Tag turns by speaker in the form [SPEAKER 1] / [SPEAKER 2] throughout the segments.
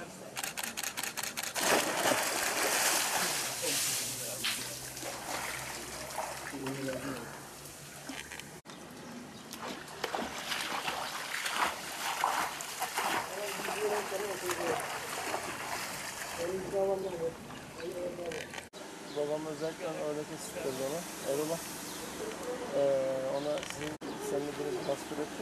[SPEAKER 1] Babam özellikle öyle kesittirdi ona. Eyvallah. Ona seninle biraz bastır etti.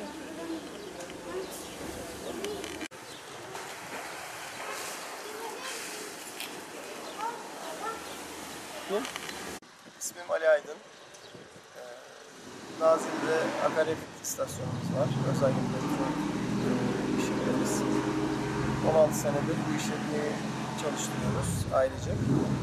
[SPEAKER 1] Kim? İsmim Ali Aydın. Nazilli'de akaryakıt istasyonumuz var. Özel gündemizde işletmemiz. 16 senedir bu işletmeyi çalıştırıyoruz ailecek.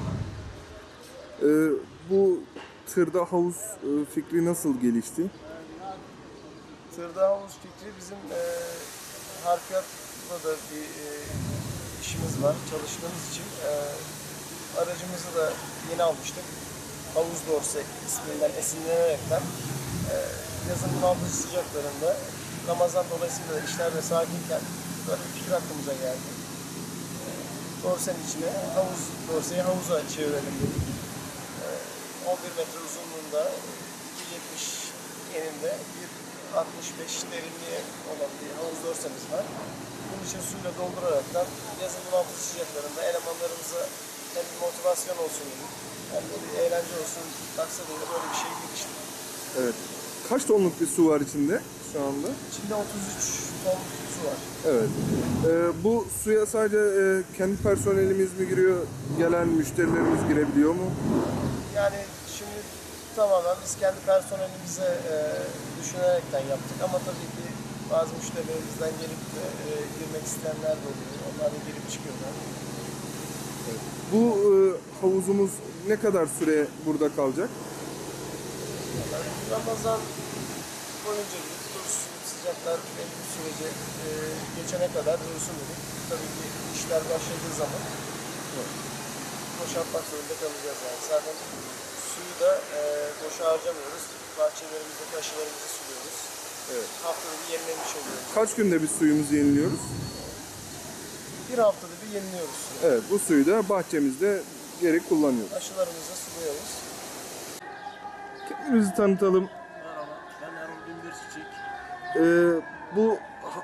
[SPEAKER 2] Bu tırda havuz fikri nasıl gelişti?
[SPEAKER 1] Tırda havuz fikri bizim harfiyatla da bir işimiz var. Çalıştığımız için aracımızı da yeni almıştık. Havuz dorse isminden esinlenerekten yazın bunaltıcı sıcaklarında Ramazan dolayısıyla işler de sakinken böyle bir fikir aklımıza geldi. Dorsenin içine dorseyi havuza çevirelim dedik. 11 metre uzunluğunda, 2.70 eninde, 1.65 derinliği olan bir havuz dorsemiz var. Bunun için suyla dolduraraktan yazın bunaltıcı sıcaklarında elemanlarımıza hem bir motivasyon olsun dedik, hem de bir eğlence olsun maksadıyla böyle bir şey giriştik.
[SPEAKER 2] Evet. Kaç tonluk bir su var içinde şu anda?
[SPEAKER 1] İçinde 33 ton su var.
[SPEAKER 2] Evet. Bu suya sadece kendi personelimiz mi giriyor, gelen müşterilerimiz girebiliyor mu?
[SPEAKER 1] Yani şimdi tamamen biz kendi personelimize düşünerekten yaptık ama tabii ki bazı müşterilerimizden gelip de girmek isteyenler de oluyor. Onlar da girip çıkıyorlar.
[SPEAKER 2] Evet. Bu havuzumuz ne kadar süre burada kalacak?
[SPEAKER 1] Yani Ramazan boyunca dursun, sıcaklar belli bir sürece geçene kadar dursun dedik. Tabii ki işler başladığı zaman boşaltmak zorunda kalacağız yani. Zaten suyu da boşa harcamıyoruz. Bahçelerimizde aşılarımızı suluyoruz.
[SPEAKER 2] Evet.
[SPEAKER 1] Haftada bir yenilemiş oluyoruz.
[SPEAKER 2] Kaç günde bir suyumuzu yeniliyoruz?
[SPEAKER 1] Bir haftada bir yeniliyoruz suyu.
[SPEAKER 2] Evet, bu suyu da bahçemizde geri kullanıyoruz.
[SPEAKER 1] Aşılarımızı suluyoruz.
[SPEAKER 2] Kendimizi tanıtalım.
[SPEAKER 3] Merhaba, ben Erol Gündür Çiçek.
[SPEAKER 2] Bu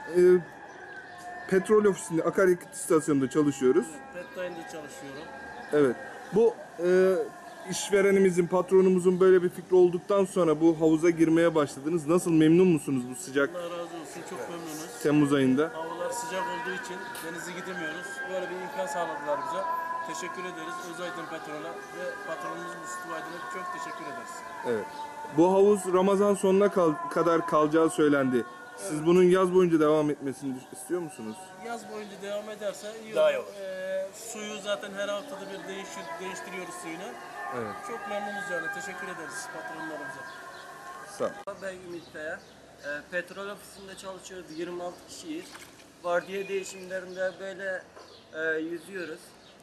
[SPEAKER 2] petrol ofisinde, akaryakıt istasyonunda çalışıyoruz.
[SPEAKER 3] Petline'de çalışıyorum.
[SPEAKER 2] Evet. Bu işverenimizin, patronumuzun böyle bir fikri olduktan sonra bu havuza girmeye başladınız. Nasıl, memnun musunuz bu sıcak
[SPEAKER 3] Allah razı olsun, çok memnunuz.
[SPEAKER 2] Temmuz ayında?
[SPEAKER 3] Havalar sıcak olduğu için denize gidemiyoruz. Böyle bir imkan sağladılar bize. Teşekkür ederiz Özaydın Petrol'a ve patronumuz Mustafa Aydın'a çok teşekkür ederiz.
[SPEAKER 2] Evet. Bu havuz Ramazan sonuna kadar kalacağı söylendi. Siz bunun yaz boyunca devam etmesini istiyor musunuz?
[SPEAKER 3] Yaz boyunca devam ederse iyi
[SPEAKER 1] Daha
[SPEAKER 3] olur.
[SPEAKER 1] iyi olur.
[SPEAKER 3] Suyu zaten her haftada bir değiştiriyoruz suyunu.
[SPEAKER 2] Evet.
[SPEAKER 3] Çok memnunuz yani. Teşekkür ederiz patronlarımıza.
[SPEAKER 2] Sağ ol.
[SPEAKER 4] Ben Ümit Kaya. Petrol ofisinde çalışıyoruz. 26 kişiyiz. Vardiya değişimlerinde böyle yüzüyoruz.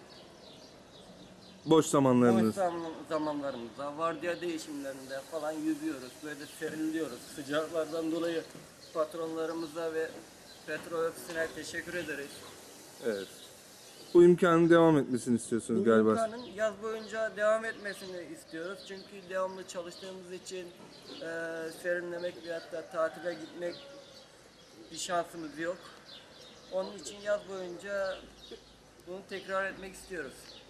[SPEAKER 2] Boş zamanlarınız.
[SPEAKER 4] Boş zamanlarımızda vardiya değişimlerinde falan yüzüyoruz. Böyle serinliyoruz. Sıcaklardan dolayı patronlarımıza ve petrol ofisine teşekkür ederiz.
[SPEAKER 2] Evet. Bu imkanın devam etmesini istiyorsunuz
[SPEAKER 4] Bu
[SPEAKER 2] galiba.
[SPEAKER 4] imkanın yaz boyunca devam etmesini istiyoruz. Çünkü devamlı çalıştığımız için serinlemek ve hatta tatile gitmek bir şansımız yok. Onun için yaz boyunca bunu tekrar etmek istiyoruz.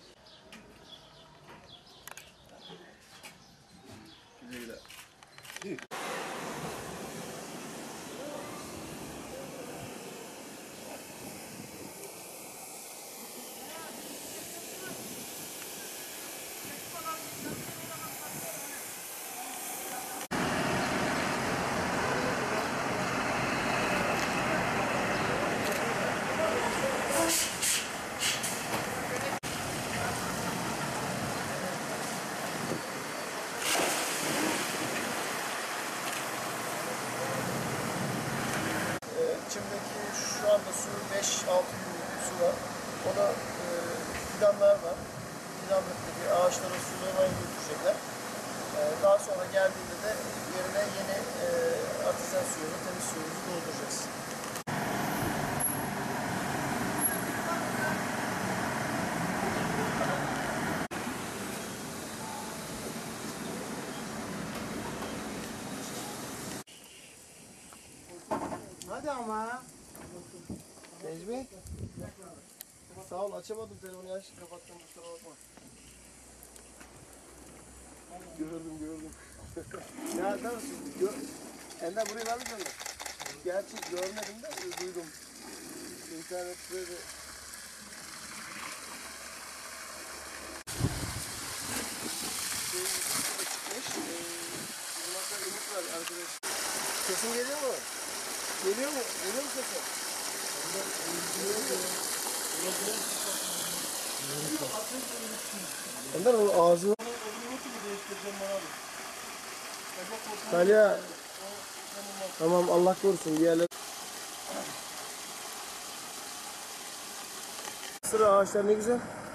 [SPEAKER 1] İçimdeki şu anda su 5-6 günlük bir su var. Ona fidanlar var. Fidanlıktaki ağaçlara sulamaya götürecekler. Daha sonra geldiğinde de yerine yeni artezyen suyunu, temiz suyumuzu dolduracağız.
[SPEAKER 5] hadi ama.
[SPEAKER 1] Necmi. Sağ ol, açamadım telefonu, yaş kapattım, kusura bakma. Gördüm. Ya tamam şimdi Ender burayı vermiş mi? Gerçi görmedim de duydum. İnternette de. Çıkmış. Bizim hatta ümit var arkadaş. Sesim geliyor mu? Geliyor mu? Geliyor mu sesim? Ender o ağzını... Talya. Tamam, Allah korusun diğerler. Sıra ağaçlar ne güzel.